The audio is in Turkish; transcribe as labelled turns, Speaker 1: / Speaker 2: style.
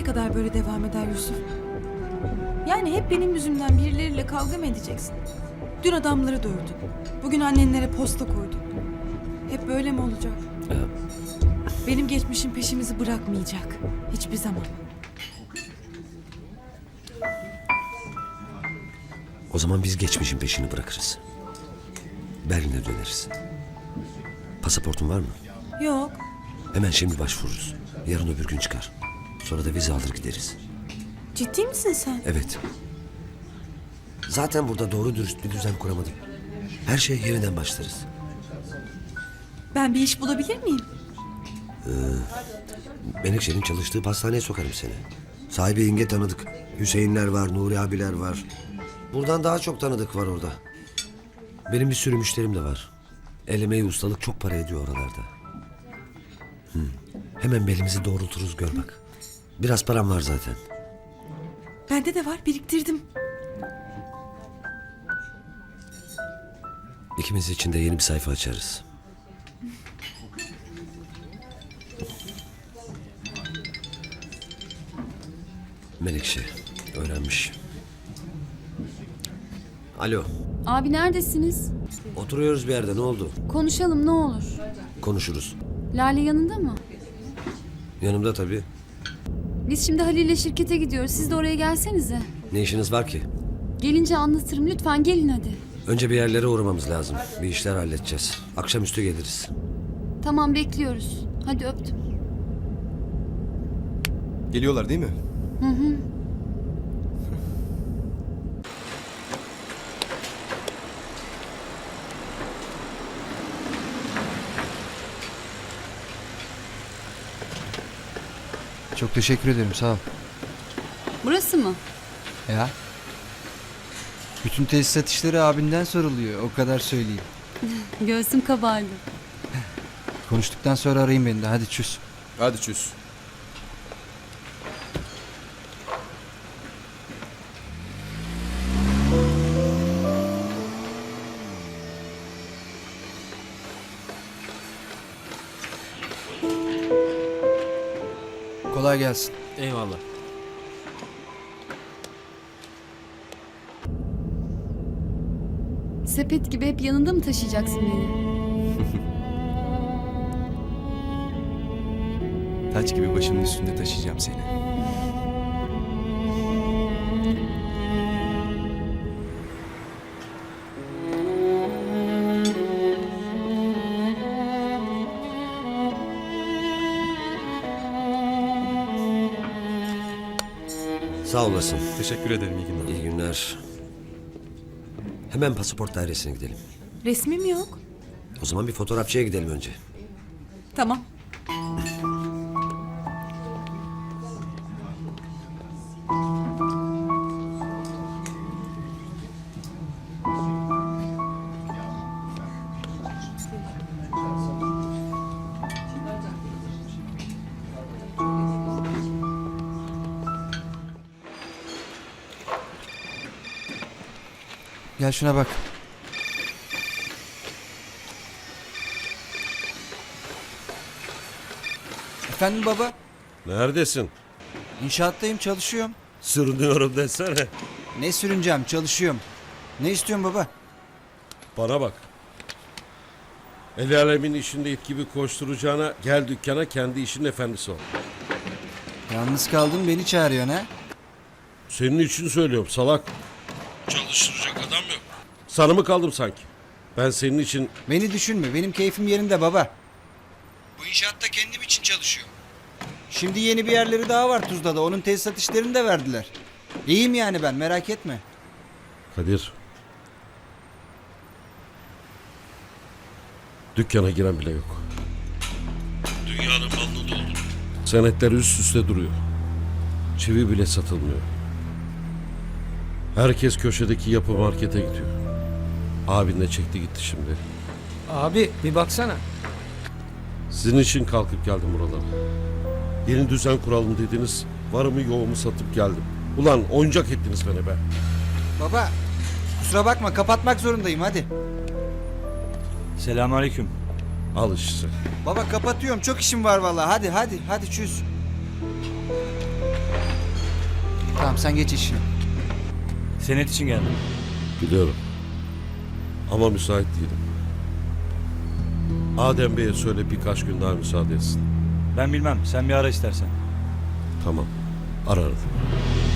Speaker 1: kadar böyle devam eder Yusuf? Yani hep benim yüzümden birileriyle kavga mı edeceksin? Dün adamları dövdün. Bugün annenlere posta koydun. Hep böyle mi olacak? Benim geçmişim peşimizi bırakmayacak. Hiçbir zaman.
Speaker 2: O zaman biz geçmişin peşini bırakırız. Berlin'e döneriz. Pasaportun var mı?
Speaker 1: Yok.
Speaker 2: Hemen şimdi başvururuz. Yarın öbür gün çıkar. Sonra da vize alır gideriz.
Speaker 1: Ciddi misin sen?
Speaker 2: Evet. Zaten burada doğru dürüst bir düzen kuramadım. Her şey yeniden başlarız.
Speaker 1: Ben bir iş bulabilir miyim?
Speaker 2: Menekşe'nin çalıştığı pastaneye sokarım seni. Sahibi İnge tanıdık. Hüseyinler var, Nuri abiler var. Buradan daha çok tanıdık var orada. Benim bir sürü müşterim de var. El emeği, ustalık çok para ediyor oralarda. Hemen belimizi doğrulturuz, gör bak. Biraz param var zaten.
Speaker 1: Bende de var, biriktirdim.
Speaker 2: İkimiz için de yeni bir sayfa açarız. Menekşe öğrenmiş. Alo,
Speaker 3: Abi neredesiniz?
Speaker 2: oturuyoruz bir yerde, ne oldu?
Speaker 3: Konuşalım ne olur.
Speaker 2: Konuşuruz.
Speaker 3: Lale yanında mı?
Speaker 2: Yanımda tabii.
Speaker 3: Biz şimdi Halil'le şirkete gidiyoruz. Siz de oraya gelsenize.
Speaker 2: Ne işiniz var ki?
Speaker 3: Gelince anlatırım. Lütfen gelin hadi.
Speaker 2: Önce bir yerlere uğramamız lazım. Bir işler halledeceğiz. Akşamüstü geliriz.
Speaker 3: Tamam bekliyoruz. Hadi öptüm.
Speaker 4: Geliyorlar değil mi?
Speaker 5: Çok teşekkür ederim, sağ ol.
Speaker 3: Burası mı?
Speaker 5: Ya. Bütün tesisat işleri abinden soruluyor, o kadar söyleyeyim.
Speaker 3: Göğsüm kabardı.
Speaker 5: Konuştuktan sonra arayın beni de, hadi çüz.
Speaker 4: Hadi çöz.
Speaker 5: Kolay gelsin.
Speaker 6: Eyvallah.
Speaker 3: Sepet gibi hep yanında mı taşıyacaksın beni?
Speaker 4: Taç gibi başımın üstünde taşıyacağım seni.
Speaker 2: Sağ olasın.
Speaker 4: Teşekkür ederim, iyi günler.
Speaker 2: İyi günler. Hemen pasaport dairesine gidelim.
Speaker 1: Resmim yok.
Speaker 2: O zaman bir fotoğrafçıya gidelim önce.
Speaker 1: Tamam.
Speaker 5: Gel şuna bak. Efendim baba?
Speaker 7: Neredesin?
Speaker 5: İnşaattayım, çalışıyorum.
Speaker 7: Sürünüyorum desene.
Speaker 5: Ne sürüneceğim, çalışıyorum. Ne istiyorsun baba?
Speaker 7: Bana bak. El alemin işinde it gibi koşturacağına gel dükkana kendi işinin efendisi ol.
Speaker 5: Yalnız kaldın, beni çağırıyorsun ha?
Speaker 7: Senin için söylüyorum salak. Çalıştıracak adam yok. Sana mı kaldım sanki? Ben senin için
Speaker 5: Beni düşünme, benim keyfim yerinde baba. Bu inşaatta kendim için çalışıyorum. Şimdi yeni bir yerleri daha var Tuzla'da, onun tesisat işlerini de verdiler. İyiyim yani ben, merak etme.
Speaker 7: Kadir. Dükkana giren bile yok. Dünyanın malını doldur. Senetler üst üste duruyor. Çivi bile satılmıyor. Herkes köşedeki yapı markete gidiyor. Abin de çekti gitti şimdi.
Speaker 6: Abi bir baksana.
Speaker 7: Sizin için kalkıp geldim buralara. Yeni düzen kuralım dediniz. Varımı yoğumu satıp geldim. Ulan oyuncak ettiniz beni be.
Speaker 5: Baba, kusura bakma, kapatmak zorundayım, hadi.
Speaker 6: Selamünaleyküm.
Speaker 7: Al işte.
Speaker 5: Baba kapatıyorum, çok işim var vallahi. Hadi çüz. Tamam sen geç işine.
Speaker 8: Senet için geldim.
Speaker 7: Biliyorum. Ama müsait değilim. Adem Bey'e söyle birkaç gün daha müsaade etsin.
Speaker 8: Ben bilmem. Sen bir ara istersen.
Speaker 7: Tamam. Ararım.